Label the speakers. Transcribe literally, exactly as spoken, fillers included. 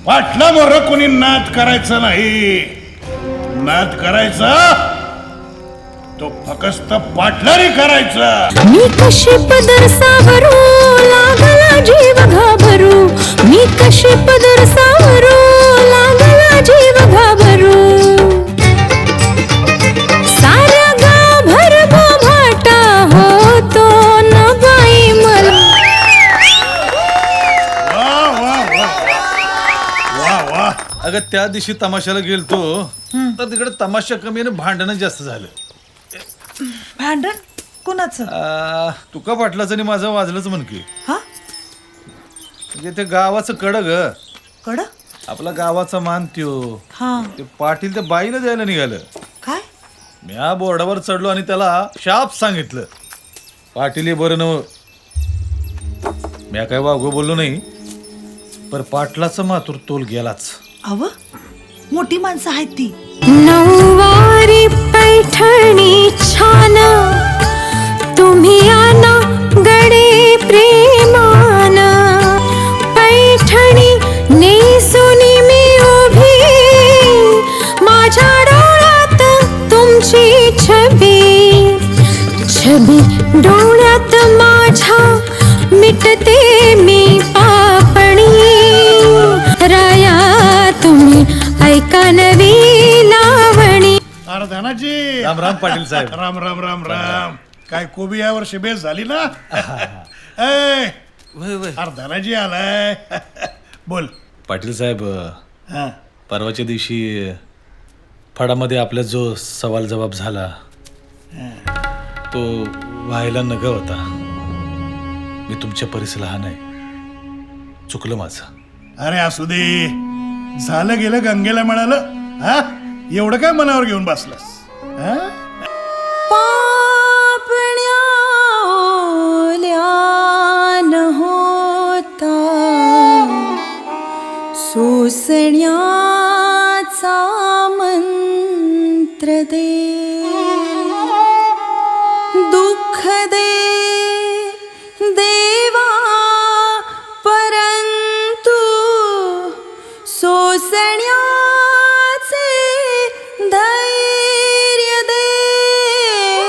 Speaker 1: पाटला मोर कोणी नाद करायचं नाही. नाद करायचा तो फकस्त पाटलारी करायचा.
Speaker 2: मी कशी पदर सावरू लागला जीव घाबरू. मी कशी पदर सावरू लागला जीव घाबरू. साऱ्या गाभर बोभाटा होतो न बाई मला.
Speaker 1: वा वा वा वा वा.
Speaker 3: अगं त्या दिवशी तमाशाला गेलतो तर तिकडे तमाशा कमी आणि भांडणं जास्त झालं.
Speaker 4: भांडण कोणाचं?
Speaker 3: आ, तुका पाटलाचं आणि माझं वाजलंच म्हण की.
Speaker 4: हा
Speaker 3: म्हणजे ते गावाचं कड ग.
Speaker 4: कड
Speaker 3: आपला गावाचा मान त्यो
Speaker 4: हा
Speaker 3: ते पाटील त्या बाईला द्यायला निघालं.
Speaker 4: काय?
Speaker 3: म्या बोर्डावर चढलो आणि त्याला शाप सांगितलं. पाटील हे बरं नव. म्या काय वागो बोललो नाही, पर पाटलाचं मातूर तोल गेलाच.
Speaker 4: अव मोठी माणसं आहेत ती.
Speaker 2: नऊवारी पैठणी छान तुम्ही आना गडे प्रेमान. पैठणी नेसुनी मी उभी माझ्या डोळ्यात तुमची छबी. छबी डोळ्यात माझ्या मिटते मी पापणी. राया तुम्ही ऐका नवी लावणी.
Speaker 1: अरे धनाजी.
Speaker 3: राम राम पाटील साहेब.
Speaker 1: राम राम राम राम. काय कोबी यावर बेस झाली ना. ए,
Speaker 3: वय वय.
Speaker 1: अरे धनाजी आलाय. बोल.
Speaker 3: पाटील साहेब,
Speaker 1: हा
Speaker 3: परवाच्या दिवशी फडामध्ये आपला जो सवाल जवाब झाला तो व्हायला नग होता. मी तुमच्या परीस लहान आहे, चुकलं माझं.
Speaker 1: अरे असू दे, झालं गेलं गंगेला मिळालं. हा एवढं काय मनावर घेऊन बसलास? हा?
Speaker 2: पापण्या ओल्या न होता सोसण्याचा मंत्र दे. दुःख दे